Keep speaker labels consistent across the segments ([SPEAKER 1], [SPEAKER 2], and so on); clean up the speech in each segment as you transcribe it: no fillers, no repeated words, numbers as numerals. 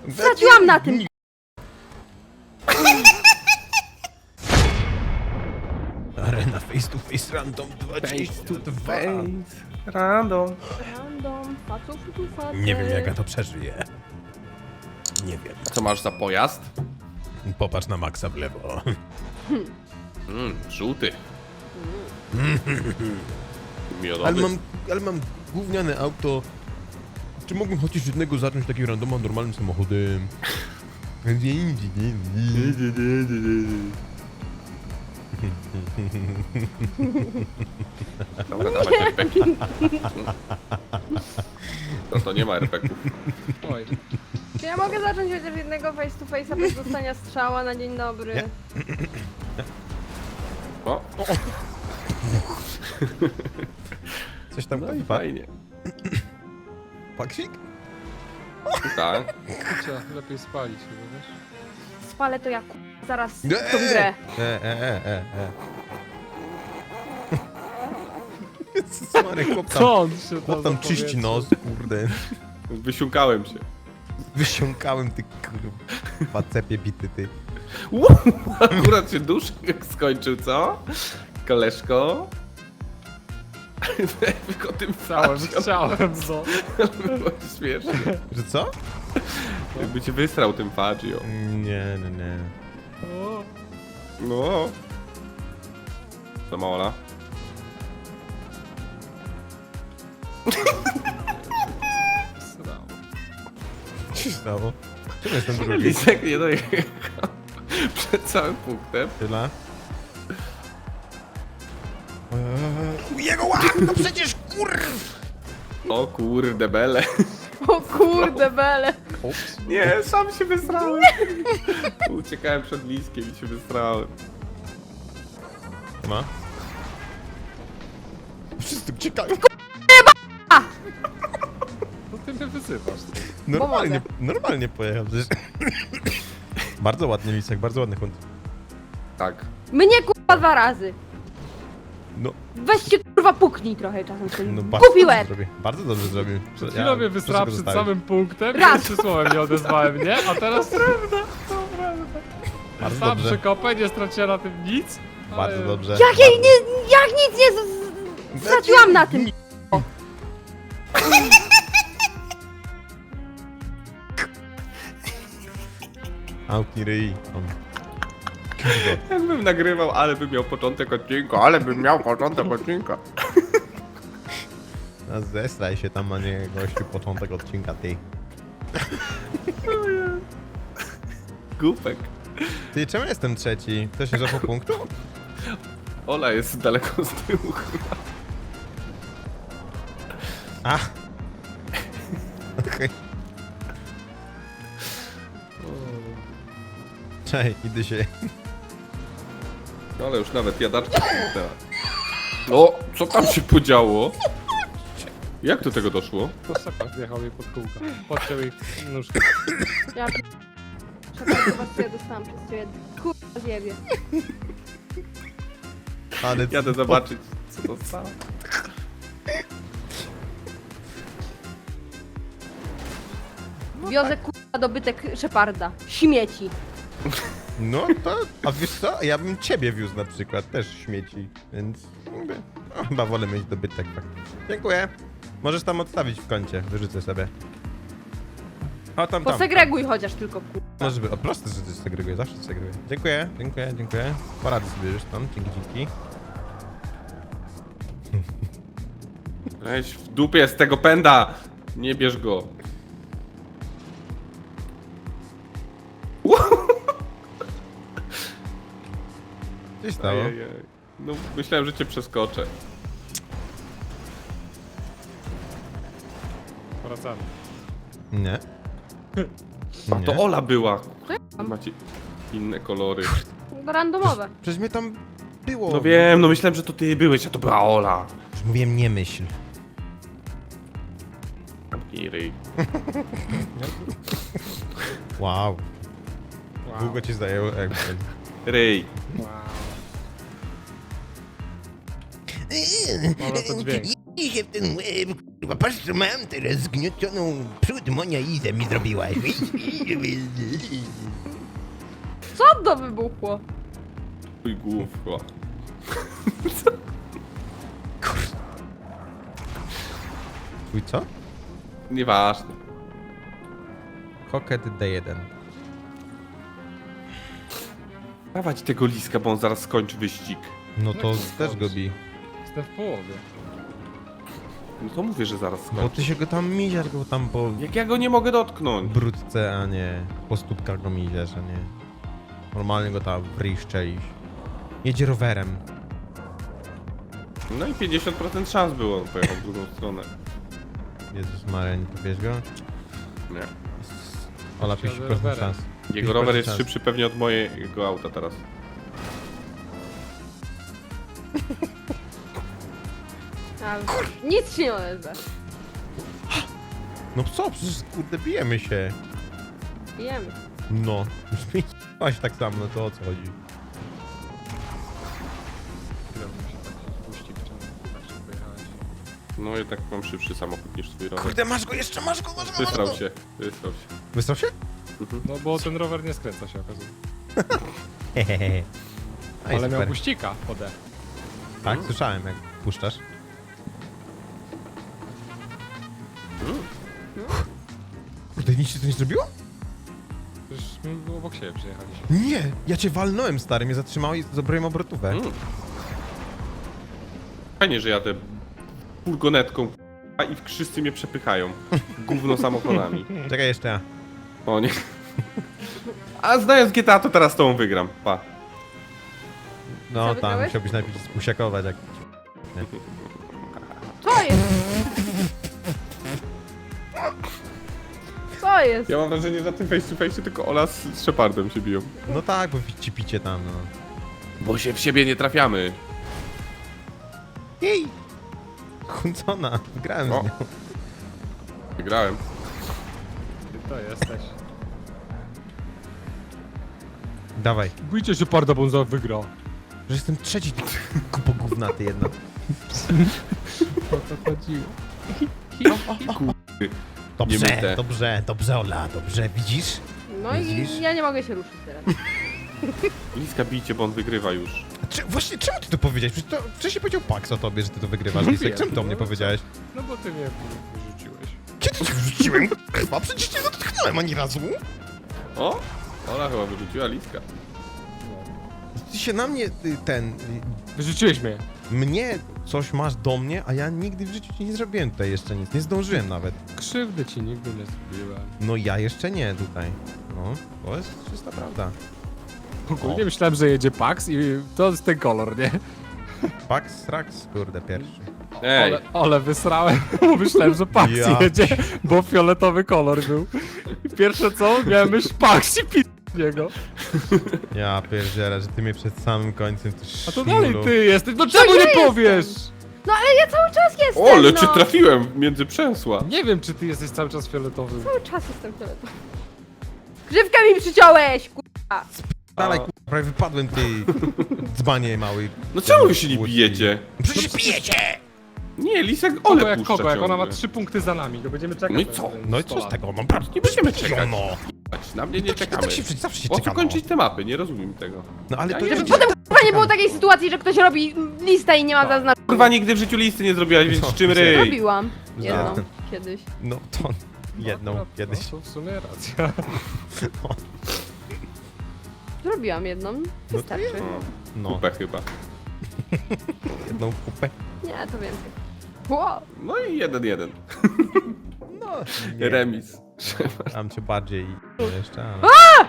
[SPEAKER 1] Straciłam na tym.
[SPEAKER 2] Arena face to face random 22.
[SPEAKER 3] Random.
[SPEAKER 1] Random, faców tu facet.
[SPEAKER 2] Nie wiem jak ja to przeżyję. Nie wiem.
[SPEAKER 3] Co masz za pojazd?
[SPEAKER 2] Popatrz na Maxa w lewo.
[SPEAKER 3] Żółty. Miodowy.
[SPEAKER 2] Ale mam gówniane auto. Czy mógłbym chociaż jednego zacząć takim randoma normalnym samochodem?
[SPEAKER 3] Dobra, dawaj RPG. To nie ma RPG-ów.
[SPEAKER 4] Oj,
[SPEAKER 1] Czy ja mogę zacząć chociaż jednego face to face'a bez dostania strzała na dzień dobry?
[SPEAKER 2] Nie.
[SPEAKER 3] O,
[SPEAKER 2] Coś tam
[SPEAKER 3] no i fajnie.
[SPEAKER 2] Paksik?
[SPEAKER 3] Tak.
[SPEAKER 4] trzeba lepiej spalić chyba, wiesz?
[SPEAKER 1] Spalę to ja zaraz tą grę.
[SPEAKER 2] Smary, chłop tam,
[SPEAKER 4] Co on się
[SPEAKER 2] chłop tam czyści
[SPEAKER 4] zapowiedział?
[SPEAKER 2] nos, kurde.
[SPEAKER 3] Wysiłkałem się.
[SPEAKER 2] Wysiąkałem ty kurwa cepie bity ty.
[SPEAKER 3] Akurat się duszek skończył, co? Koleżko? Tylko tym
[SPEAKER 4] Chciałem,
[SPEAKER 3] facią.
[SPEAKER 4] chciałem, no.
[SPEAKER 3] Było śmiesznie.
[SPEAKER 2] Że co?
[SPEAKER 3] Jakby cię wysrał tym Fagio.
[SPEAKER 2] Nie.
[SPEAKER 4] O,
[SPEAKER 3] No. To Maola.
[SPEAKER 4] srało.
[SPEAKER 2] Co się stało? Czemu jestem drugi?
[SPEAKER 3] Lisek nie dojechał przed całym punktem.
[SPEAKER 2] Tyle. Jego łap! No przecież kurw!
[SPEAKER 3] O kurde bele.
[SPEAKER 1] O kurde bele.
[SPEAKER 2] Ups.
[SPEAKER 3] Nie, sam się wysrałem. Uciekałem przed Liskiem i się wysrałem.
[SPEAKER 2] Ma? Wszyscy uciekają.
[SPEAKER 4] No ty mnie wyzywasz.
[SPEAKER 2] Normalnie pojechał przecież. Bardzo ładnie Lisek, bardzo ładny hunt.
[SPEAKER 3] Tak.
[SPEAKER 1] Mnie kurwa 2 razy.
[SPEAKER 2] No,
[SPEAKER 1] Weź się kurwa puknij trochę czasem ten
[SPEAKER 2] no
[SPEAKER 1] głupi łeb.
[SPEAKER 2] bardzo dobrze zrobił.
[SPEAKER 4] Przed chwilą mnie wysrała przed
[SPEAKER 2] zostawić.
[SPEAKER 4] samym punktem,
[SPEAKER 1] Raz.
[SPEAKER 4] 3 słowem nie odezwałem, nie? A teraz prawda, to prawda.
[SPEAKER 2] Bardzo
[SPEAKER 4] Sam
[SPEAKER 2] dobrze.
[SPEAKER 4] przekopę, nie straciłem na tym nic.
[SPEAKER 2] Bardzo
[SPEAKER 4] ale-
[SPEAKER 2] dobrze.
[SPEAKER 1] Jak jej nie, jak nic nie straciłam na tym.
[SPEAKER 2] Autni ryj. Kurde.
[SPEAKER 3] Jakbym nagrywał, ale bym miał początek odcinka, ale bym miał początek odcinka.
[SPEAKER 2] No zestraj się tam, a nie gościu początek odcinka ty.
[SPEAKER 3] Głupek.
[SPEAKER 2] Ty, czemu jestem trzeci? Ktoś się złapał punktu?
[SPEAKER 3] Ola jest daleko z tyłu chyba.
[SPEAKER 2] A! Okej. Cześć, idę się.
[SPEAKER 3] No ale już nawet jadaczka pęknęła. O, co tam się podziało? Jak do tego doszło?
[SPEAKER 4] To Szepard wjechał jej pod kółka. Podciął jej nóżkę.
[SPEAKER 1] Ja przepraszam was, co ja dostałam przez ciebie. Kurwa zjebie.
[SPEAKER 2] Ale
[SPEAKER 3] Jadę zobaczyć, co to stało.
[SPEAKER 1] Wiozę kurwa dobytek Szeparda. Śmieci.
[SPEAKER 2] No to, a wiesz co? Ja bym ciebie wiózł na przykład, też śmieci, więc jakby, no, chyba wolę mieć dobytek. Tak. Dziękuję. Możesz tam odstawić w kącie, wyrzucę sobie. O, tam.
[SPEAKER 1] Posegreguj chociaż tylko kurwa.
[SPEAKER 2] Może by, o proste, że to segreguję, zawsze segreguję. Dziękuję. Poradzę sobie już tam, dzięki.
[SPEAKER 3] Weź w dupie z tego pęda! Nie bierz go.
[SPEAKER 2] Co się stało?
[SPEAKER 3] Ajajaj. No myślałem, że cię przeskoczę.
[SPEAKER 4] Wracamy.
[SPEAKER 2] Nie.
[SPEAKER 3] A to
[SPEAKER 2] Nie.
[SPEAKER 3] Ola była.
[SPEAKER 1] To ja mam.
[SPEAKER 3] Macie inne kolory.
[SPEAKER 1] Randomowe.
[SPEAKER 2] Przecież mnie tam było.
[SPEAKER 3] No wiem, no myślałem, że to ty byłeś, a to była Ola.
[SPEAKER 2] Już mówiłem, nie myśl.
[SPEAKER 3] I ryj.
[SPEAKER 2] Wow.
[SPEAKER 4] Wow.
[SPEAKER 2] Długo ci zajęło, jakby.
[SPEAKER 3] Ryj.
[SPEAKER 4] Wow. Mam na to dźwięk.
[SPEAKER 2] się w ten łeb, kurwa, patrz co mam teraz zgniotioną przód monia Izę mi zrobiłaś.
[SPEAKER 1] Co to wybuchło?
[SPEAKER 3] Twój główko.
[SPEAKER 2] Twój co?
[SPEAKER 3] Nieważne.
[SPEAKER 2] Hocket D1.
[SPEAKER 3] Dawać tego liska, bo on zaraz skończy wyścig.
[SPEAKER 2] No to
[SPEAKER 4] No,
[SPEAKER 2] też go bij.
[SPEAKER 4] Jestem w połowie.
[SPEAKER 3] No to mówię, że zaraz skończy.
[SPEAKER 2] Bo ty się go tam miziasz go tam po
[SPEAKER 3] Jak ja go nie mogę dotknąć?
[SPEAKER 2] brudce, a nie po stópkach go miziasz, a nie. Normalnie go tam wryszczeliś. Jedzie rowerem.
[SPEAKER 3] No i 50% szans było, pojechał w drugą stronę.
[SPEAKER 2] Jezus Maria, nie powiesz go?
[SPEAKER 3] Nie.
[SPEAKER 2] Ola,
[SPEAKER 4] Jadę
[SPEAKER 2] 50%
[SPEAKER 4] rowerem.
[SPEAKER 2] szans.
[SPEAKER 3] Jego
[SPEAKER 2] 50%
[SPEAKER 3] rower jest
[SPEAKER 2] szans.
[SPEAKER 3] szybszy pewnie od mojego auta teraz.
[SPEAKER 1] A, nic się nie odezwa.
[SPEAKER 2] No co, przecież kurde bijemy się.
[SPEAKER 1] Wiem.
[SPEAKER 2] No. Masz tak samo, no to o co chodzi?
[SPEAKER 4] Chwilę muszę taki puścik, czemu tak się pojechałeś.
[SPEAKER 3] No jednak mam szybszy samochód niż twój rower.
[SPEAKER 2] Kurde, masz go jeszcze, masz go!
[SPEAKER 3] Wysrał się, wysrał się.
[SPEAKER 2] Wysrał się?
[SPEAKER 4] No bo ten rower nie skręca się okazuje.
[SPEAKER 2] Hehehe. No i
[SPEAKER 4] Ale miał
[SPEAKER 2] super.
[SPEAKER 4] puścika pode.
[SPEAKER 2] Tak, słyszałem jak puszczasz. Kurde, nic się to nie zrobiło?
[SPEAKER 4] Przecież my obok siebie przyjechaliśmy.
[SPEAKER 2] Nie, ja cię walnąłem, stary, mnie zatrzymałeś i zrobiłem obrotówę.
[SPEAKER 3] Fajnie, że jadę furgonetką i wszyscy mnie przepychają. Gówno samochodami.
[SPEAKER 2] Czekaj jeszcze ja.
[SPEAKER 3] O nie. A znając GTA to teraz z tobą wygram. Pa.
[SPEAKER 2] No
[SPEAKER 1] Co,
[SPEAKER 2] tam,
[SPEAKER 1] wygrałeś?
[SPEAKER 2] musiałbyś najpierw spusiakować jak...
[SPEAKER 1] Co jest? Co jest?
[SPEAKER 3] Ja mam wrażenie, że na tym face to face tylko Ola z Shepardem się biją.
[SPEAKER 2] No tak, bo ci picie tam, no.
[SPEAKER 3] Bo się w siebie nie trafiamy.
[SPEAKER 2] Jej! Chuncona, wygrałem
[SPEAKER 3] O.
[SPEAKER 2] z nią.
[SPEAKER 3] Wygrałem.
[SPEAKER 4] Ty to jesteś.
[SPEAKER 2] Dawaj,
[SPEAKER 4] Bójcie się parda, bo on za wygra.
[SPEAKER 2] że jestem trzeci, ty kupo gównaty jedna.
[SPEAKER 4] O to chodziło.
[SPEAKER 2] Dobrze,
[SPEAKER 3] myte.
[SPEAKER 2] dobrze, Ola, dobrze, widzisz?
[SPEAKER 1] No
[SPEAKER 2] Widzisz?
[SPEAKER 1] i ja nie mogę się ruszyć teraz.
[SPEAKER 3] Liska bijcie, bo on wygrywa już.
[SPEAKER 2] A właśnie, czemu ty to powiedziałeś? Przecież to wcześniej powiedział Pax o tobie, że ty to wygrywasz, Lisek.
[SPEAKER 4] Wiem,
[SPEAKER 2] Czemu to mnie
[SPEAKER 4] no,
[SPEAKER 2] powiedziałeś?
[SPEAKER 4] No bo ty mnie wyrzuciłeś.
[SPEAKER 2] Kiedy cię wrzuciłem? Kurwa, przecież cię dotknąłem ani razu.
[SPEAKER 3] O! Ola chyba wyrzuciła Liska.
[SPEAKER 2] Ty się na mnie,
[SPEAKER 4] Wyrzuciłeś mnie.
[SPEAKER 2] mnie coś masz do mnie, a ja nigdy w życiu ci nie zrobiłem tutaj jeszcze nic. Nie zdążyłem nawet.
[SPEAKER 4] Krzywdy ci nigdy nie zrobiłem.
[SPEAKER 2] No ja jeszcze nie tutaj. No, to jest czysta prawda.
[SPEAKER 4] Ogólnie myślałem, że jedzie Pax i to jest ten kolor, nie?
[SPEAKER 2] Pax, Rax, kurde, pierwszy.
[SPEAKER 3] Ej,
[SPEAKER 4] Ale wysrałem, bo myślałem, że Pax
[SPEAKER 2] Ja.
[SPEAKER 4] jedzie, bo fioletowy kolor był. I pierwsze co, miałem myśl Pax i pi... niego.
[SPEAKER 2] Ja pierdzielę, że ty mnie przed samym końcem tu
[SPEAKER 4] A to dalej
[SPEAKER 2] szmulu.
[SPEAKER 4] ty jesteś, no czemu
[SPEAKER 1] ja
[SPEAKER 4] nie
[SPEAKER 1] jestem.
[SPEAKER 4] powiesz?
[SPEAKER 1] No ale ja cały czas jestem,
[SPEAKER 3] o, ale
[SPEAKER 1] no.
[SPEAKER 3] cię trafiłem między przęsła.
[SPEAKER 4] Nie wiem, czy ty jesteś cały czas fioletowy.
[SPEAKER 1] Cały czas jestem fioletowy. Grzywkę mi przyciąłeś, kurwa.
[SPEAKER 2] Dalej, kurwa, prawie wypadłem, ty dzbanie mały.
[SPEAKER 3] No czemu wy się nie
[SPEAKER 2] Łódź.
[SPEAKER 3] bijecie?
[SPEAKER 2] Przecież bijecie!
[SPEAKER 3] Nie, Lisek
[SPEAKER 4] Kogo
[SPEAKER 3] Ole
[SPEAKER 4] jak
[SPEAKER 3] puszcza
[SPEAKER 4] kogo, jak ona ma
[SPEAKER 3] ciągle.
[SPEAKER 4] 3 punkty za nami, to będziemy czekać.
[SPEAKER 3] No i
[SPEAKER 4] na
[SPEAKER 3] co?
[SPEAKER 4] ten
[SPEAKER 2] No i co z
[SPEAKER 4] 100 lat.
[SPEAKER 2] tego? Mam prawo.
[SPEAKER 3] Nie będziemy czekać.
[SPEAKER 2] No,
[SPEAKER 3] Na mnie nie czekamy.
[SPEAKER 2] tak się zawsze się
[SPEAKER 3] Po co
[SPEAKER 2] czeka,
[SPEAKER 3] kończyć te mapy? Nie rozumiem tego.
[SPEAKER 2] No ale
[SPEAKER 3] Ja
[SPEAKER 2] to
[SPEAKER 3] nie
[SPEAKER 2] jest...
[SPEAKER 3] wiem,
[SPEAKER 1] Potem kurwa nie było takiej sytuacji, że ktoś robi listę i nie ma zaznaczenia.
[SPEAKER 3] Kurwa, nigdy w życiu listy nie zrobiłaś, więc
[SPEAKER 2] Co?
[SPEAKER 3] z czym ryj?
[SPEAKER 1] Robiłam jedną
[SPEAKER 2] Za-
[SPEAKER 1] kiedyś.
[SPEAKER 2] No to jedną
[SPEAKER 4] No,
[SPEAKER 2] kiedyś.
[SPEAKER 4] No, to w sumie racja.
[SPEAKER 1] Zrobiłam jedną. Wystarczy.
[SPEAKER 2] No,
[SPEAKER 3] Kupę chyba.
[SPEAKER 2] jedną kupę.
[SPEAKER 1] Nie, to więcej. Wow.
[SPEAKER 3] No i 1-1.
[SPEAKER 2] No, nie.
[SPEAKER 3] Remis.
[SPEAKER 2] Tam cię bardziej jeszcze, ale...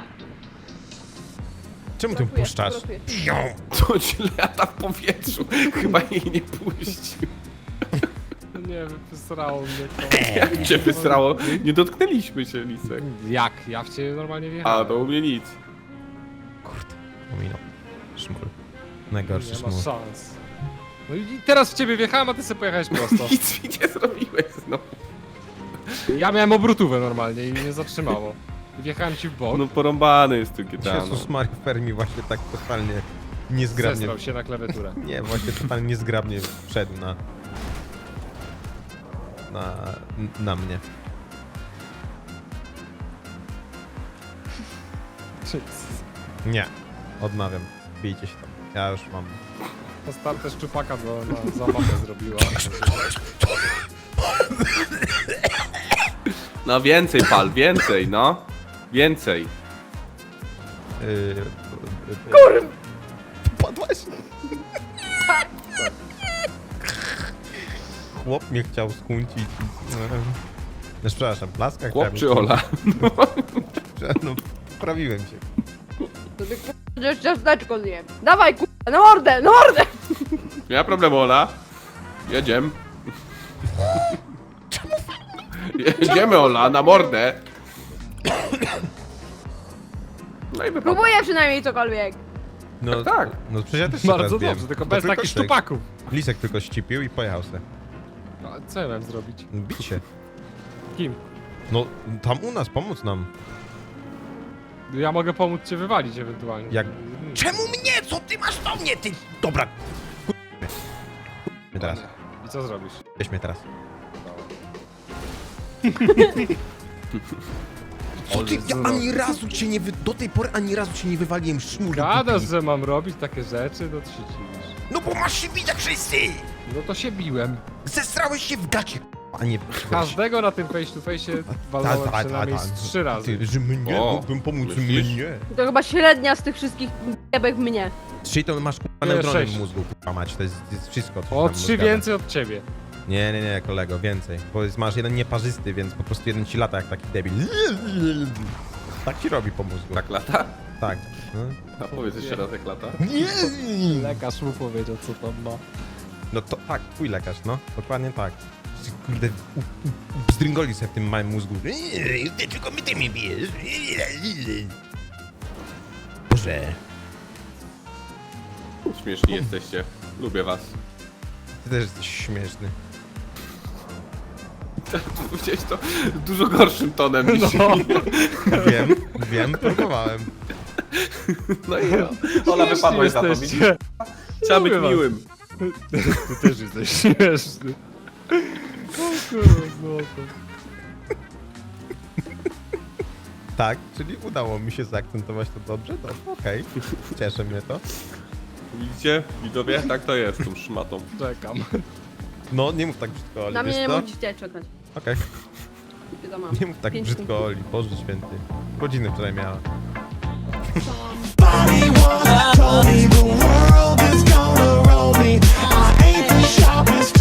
[SPEAKER 2] Czemu ty
[SPEAKER 1] Uratuję,
[SPEAKER 2] puszczasz?
[SPEAKER 1] uratuję.
[SPEAKER 2] Ją!
[SPEAKER 3] To ci lata w powietrzu. Chyba jej nie puścił.
[SPEAKER 4] Nie, wysrało mnie to.
[SPEAKER 3] Jak cię wysrało? Nie dotknęliśmy się, Lisek.
[SPEAKER 4] Jak? Ja w ciebie normalnie
[SPEAKER 3] A,
[SPEAKER 4] wjechałem.
[SPEAKER 3] to u mnie nic.
[SPEAKER 2] Kurde, pominął. Szmul. Najgorszy
[SPEAKER 4] Nie
[SPEAKER 2] szmul.
[SPEAKER 4] ma szans. No i teraz w ciebie wjechałem, a ty sobie pojechałeś prosto.
[SPEAKER 3] Nic mi nie zrobiłeś znowu.
[SPEAKER 4] Ja miałem obrotówę normalnie i mnie zatrzymało. I wjechałem ci w bok,
[SPEAKER 3] No porąbany jest tu GTA, no.
[SPEAKER 2] Jezus Maria, Fermi właśnie tak totalnie niezgrabnie...
[SPEAKER 4] zesrał się na klawiaturę.
[SPEAKER 2] Nie, właśnie totalnie niezgrabnie wszedł na... na mnie. Nie, odmawiam. Bijcie się tam. Ja już mam.
[SPEAKER 4] To też szczupaka na zabawę zrobiła.
[SPEAKER 3] No więcej pal, więcej, no. Więcej.
[SPEAKER 2] Kurwa! Padłaś? Chłop mnie chciał skuncić. No, przepraszam, laska
[SPEAKER 3] Chłop
[SPEAKER 2] chciałem
[SPEAKER 3] czy Ola?
[SPEAKER 2] No, poprawiłem się.
[SPEAKER 1] To ty k***esz ciasteczko zjem. Dawaj k***a, na mordę, na mordę!
[SPEAKER 3] Nie ma problemu, Ola. Jedziemy. Jedziemy, Ola, na mordę. No i wypadł.
[SPEAKER 1] Próbuję przynajmniej cokolwiek.
[SPEAKER 2] No
[SPEAKER 3] Tak.
[SPEAKER 2] No przecież ja też się
[SPEAKER 4] Bardzo
[SPEAKER 2] teraz biłem.
[SPEAKER 4] dobrze, tylko
[SPEAKER 2] To
[SPEAKER 4] bez takich
[SPEAKER 2] Lisek.
[SPEAKER 4] szczupaków.
[SPEAKER 2] Lisek tylko ścipił i pojechał se.
[SPEAKER 4] No, co ja mam zrobić?
[SPEAKER 2] Bić się.
[SPEAKER 4] Kim?
[SPEAKER 2] No, tam u nas, pomóc nam.
[SPEAKER 4] Ja mogę pomóc cię wywalić ewentualnie.
[SPEAKER 2] Jak... Czemu mnie? Co ty masz do mnie, ty? Dobra. Mnie teraz.
[SPEAKER 4] I co zrobisz?
[SPEAKER 2] Weź mnie teraz.
[SPEAKER 4] Co ty? Ja ani
[SPEAKER 2] razu cię nie do tej pory ani razu cię nie wywaliłem szmur.
[SPEAKER 4] Gadasz, że mam robić takie rzeczy, no to się dziwisz.
[SPEAKER 2] No bo masz się bić jak wszyscy!
[SPEAKER 4] No to się biłem.
[SPEAKER 2] Zesrałeś się w gacie, a nie...
[SPEAKER 4] Każdego na tym face to face walnąłem przynajmniej z 3 razy.
[SPEAKER 2] Ty, że mnie,
[SPEAKER 3] O,
[SPEAKER 2] mógłbym pomóc
[SPEAKER 3] myślisz?
[SPEAKER 2] mnie.
[SPEAKER 1] To chyba średnia z tych wszystkich jebek mnie.
[SPEAKER 2] 3 to masz kurwa
[SPEAKER 4] Nie,
[SPEAKER 2] neutrony w
[SPEAKER 4] 6.
[SPEAKER 2] mózgu, kurwa mać, to jest wszystko. co
[SPEAKER 4] O
[SPEAKER 2] tam
[SPEAKER 4] 3
[SPEAKER 2] mózg gada.
[SPEAKER 4] więcej od ciebie.
[SPEAKER 2] Nie, kolego, więcej. Bo masz jeden nieparzysty, więc po prostu jeden ci lata jak taki debil. Tak ci robi po mózgu.
[SPEAKER 3] Tak lata?
[SPEAKER 2] Tak. No.
[SPEAKER 3] A powiedz jeszcze raz jak lata.
[SPEAKER 4] Lekarz mu powiedział, co tam ma.
[SPEAKER 2] No to tak, twój lekarz, no. Dokładnie tak. Kurde, bzdryngoli sobie w tym małym mózgu. Ty tylko ty mnie bijesz. Boże.
[SPEAKER 3] Śmieszni jesteście. Lubię was.
[SPEAKER 2] Ty też jesteś śmieszny.
[SPEAKER 3] Powiedziałeś to dużo gorszym tonem niż...
[SPEAKER 4] No,
[SPEAKER 2] Wiem, próbowałem.
[SPEAKER 3] No i ja. Ola, wypadłaś za to, widzisz?
[SPEAKER 4] jesteście.
[SPEAKER 3] Trzeba być
[SPEAKER 4] Lubię was.
[SPEAKER 3] miłym.
[SPEAKER 4] Ty też jesteś śmieszny. O kurwa, złoto.
[SPEAKER 2] Tak, czyli udało mi się zaakcentować to dobrze? To okej. Cieszy mnie to.
[SPEAKER 3] Widzicie? Widzowie? Tak to jest z tą szmatą.
[SPEAKER 4] Czekam.
[SPEAKER 2] No, nie mów tak brzydko, Oli,
[SPEAKER 1] Na mnie
[SPEAKER 2] wiesz
[SPEAKER 1] nie
[SPEAKER 2] co?
[SPEAKER 1] musicie czekać.
[SPEAKER 2] Okej,
[SPEAKER 1] Wiadomo.
[SPEAKER 2] nie mów tak
[SPEAKER 1] 5
[SPEAKER 2] brzydko, Oli, Boże święty. Godziny wczoraj miała.
[SPEAKER 5] Somebody once told me the world is gonna roll me. I ain't the sharpest